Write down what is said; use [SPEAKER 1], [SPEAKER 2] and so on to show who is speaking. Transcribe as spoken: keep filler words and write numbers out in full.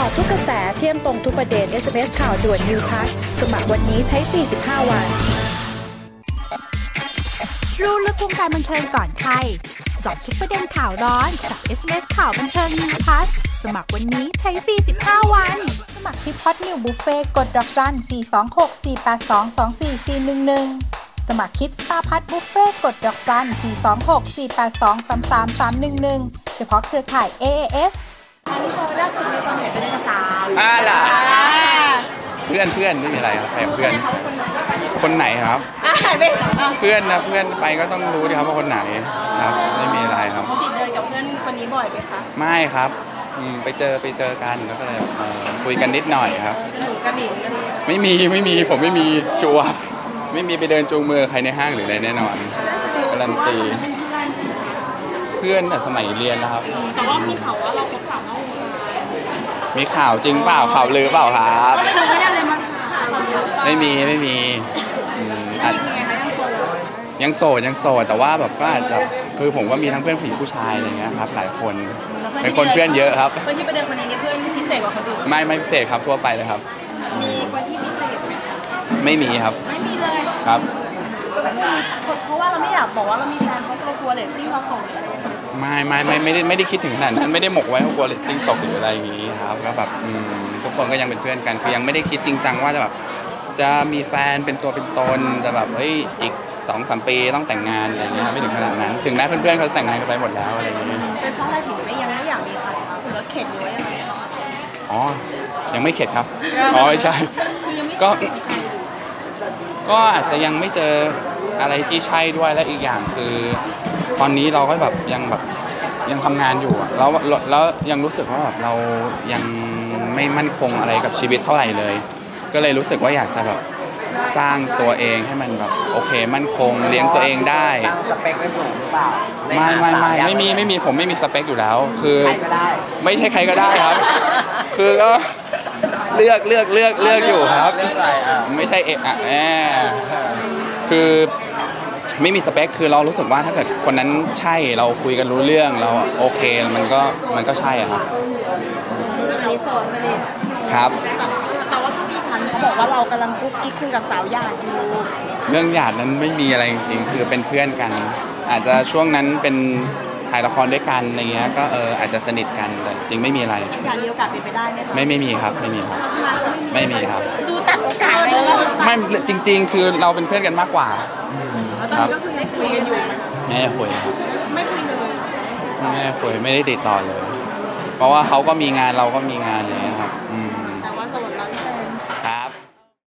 [SPEAKER 1] าทุกกระแสเที่ยมตรงทุกประเด็น เอส เอ็ม เอส ข่าวด่วน New Pass สมัครวันนี้ใช้ฟรีสิบห้าวัน
[SPEAKER 2] รู้ลึกวงการบันเทิงก่อนใครเจาะทุกประเด็นข่าวร้อนกับ เอส เอ็ม เอส ข่าวบันเทิง New Pass สมัครวันนี้ใช้ฟรีสิบห้าวันสมัครที่พอดนิวบุฟเฟ่กดดอกจันสี่ สอง หก สี่ แปด สอง สอง สี่ สี่ หนึ่ง หนึ่งสมัครคลิปสตาร์พัทบุฟเฟ่กดดอกจันสี่ สอง หก สี่ แปด สอง สาม สาม สาม หนึ่ง หนึ่งเฉพาะเครือข่าย เอ เอ เอส
[SPEAKER 3] อันนี้พอล่าสุดมีความเห็นเป็นภาษา
[SPEAKER 4] อ่าล่ะเพื่อนเพื่อนไม่มีอะไรครับแต่เพื่อนคนไหนครับ
[SPEAKER 3] อ่าไม่
[SPEAKER 4] เพื่อนนะเพื่อนไปก็ต้องรู้ดิครับว่าคนไหนครับไม่มีอะไรครับ
[SPEAKER 3] ปกติเดินกับเพื่อนคนนี้บ่อยไหมคะ
[SPEAKER 4] ไม่ครับอืมไปเจอไปเจอกันแล้วก็เลยเอ่อคุยกันนิดหน่อยครับ
[SPEAKER 3] กระหนูกระหมิ่นกัน
[SPEAKER 4] ไม่มีไม่มีผมไม่มีชัวร์ไม่มีไปเดินจูงมือใครในห้างหรืออะไรแน่นอนการันตีเพื่อนแต่สมัยเรียนนะครับแต่ว่ามีข่าวว่าเราคบสาวนอกวงการมีข่าวจริงเปล่าข่าวลือเปล่าครับ
[SPEAKER 3] ไม่ได้เลยมา
[SPEAKER 4] ไม่มีไม่มีอืมอาจยังโสดยังโสดแต่ว่าแบบก็อาจจะคือผมก็มีทั้งเพื่อนผู้หญิงผู้ชายอะไรเงี้ยครับหลายคนเป็นคนเพื่อนเยอะครับ
[SPEAKER 3] เพื่อนที่ไปเดินคนนี้เนี่ยเพื่อนพิเศษกว่าคนอื่น
[SPEAKER 4] ไม่ไม่พิเศษครับทั่วไปเลยครับ
[SPEAKER 3] มีคนที่พิเศษไหม
[SPEAKER 4] ไม่มีครับ
[SPEAKER 3] ไม่มีเลย
[SPEAKER 4] ครับ
[SPEAKER 3] เพราะว่าเราไม่อยากบอกว่าเรามีแฟนเพราะเรากลัวเรตติ้งเราตกหรืออะไรอย่างเงี้ย
[SPEAKER 4] ไม่ไม่ไม่ไม่ได้ไม่ได้คิดถึงขนาดนั้นไม่ได้หมกไว้เพราะกลัวเรตติ้งตกหรืออะไรอย่างงี้ครับก็แบบอืมทุกคนก็ยังเป็นเพื่อนกันคือยังไม่ได้คิดจริงจังว่าจะแบบจะมีแฟนเป็นตัวเป็นตนจะแบบเฮ้ยอีกสองสามปีต้องแต่งงานอะไรอย่างเงี้ยไม่ถึงขนาดนั้นถึงแม้เพื่อนๆเขาแต่งงานกันไปหมดแล้วอะไรอย่างเงี้ย
[SPEAKER 3] เป็นเพราะอะไรถึงไม่ยังไม่อยากมีใครคะหรือว่าเข็ดหรือว่ายังไง
[SPEAKER 4] อ๋อยังไม่เข็ดครับอ๋อไม่ใช่
[SPEAKER 3] คือยังไม่
[SPEAKER 4] ก็ก็อาจจะยังไม่เจออะไรที่ใช่ด้วยและอีกอย่างคือ ตอนนี้เราก็แบบยังแบบยังทำงานอยู่อะแล้วแล้วยังรู้สึกว่าแบบเรายังไม่มั่นคงอะไรกับชีวิตเท่าไหร่เลย ก็เลยรู้สึกว่าอยากจะแบบสร้างตัวเองให้มันแบบโอเคมั่นคงเลี้ยงตัวเองได้
[SPEAKER 5] ตั้งสเปคไว้สูงหรือเปล่า
[SPEAKER 4] ไม่ไม่ไม่ไม่มีไม่มีผมไม่มีสเปคอยู่แล้วคือ
[SPEAKER 5] ใครก็ได้
[SPEAKER 4] ไม่ใช่ใครก็ได้ครับ คือก็เลือกเลือกเลือกเลือกอยู่ครับ
[SPEAKER 5] เลือกอะไรอ่ะ
[SPEAKER 4] ไม่ใช่เอะอะแอบคือไม่มีสเปคคือเรารู้สึกว่าถ้าเกิดคนนั้นใช่เราคุยกันรู้เรื่องเราโอเคมันก็มันก็ใช่อะครับ
[SPEAKER 3] อันนี้โสดสนิท
[SPEAKER 4] ครับ
[SPEAKER 3] แต่ว่าพี่พันธ์เขาบอกว่าเรากำลังกุ๊กกิ๊กคุยกับสาวหยาดอยู่
[SPEAKER 4] เรื่องหยาดนั้นไม่มีอะไรจริงๆคือเป็นเพื่อนกัน อาจจะช่วงนั้นเป็นถ่ายละครด้วยกันอะไรเงี้ยก็เอออาจจะสนิทกันแต่จริงไม่มีอะไร
[SPEAKER 3] อยากมีโอกาสเป็นไปได้ไหมคะ
[SPEAKER 4] ไม่ไม่มีครับไม่มีครับไม่มีครับ
[SPEAKER 3] ดูตัดโอกาสเลย
[SPEAKER 4] ไม่จริง ๆ คือเราเป็นเพื่อนกันมากกว่า
[SPEAKER 3] แล้วตอนนี้ก็คือได้คุยกันอยู่
[SPEAKER 4] ไม่ได้คุยครับ
[SPEAKER 3] ไม่คุยเลย
[SPEAKER 4] ไม่ได้คุยไม่ได้ติดต่อเลย เพราะว่าเขาก็มีงานเราก็มีงานอะไรเลยครับอืม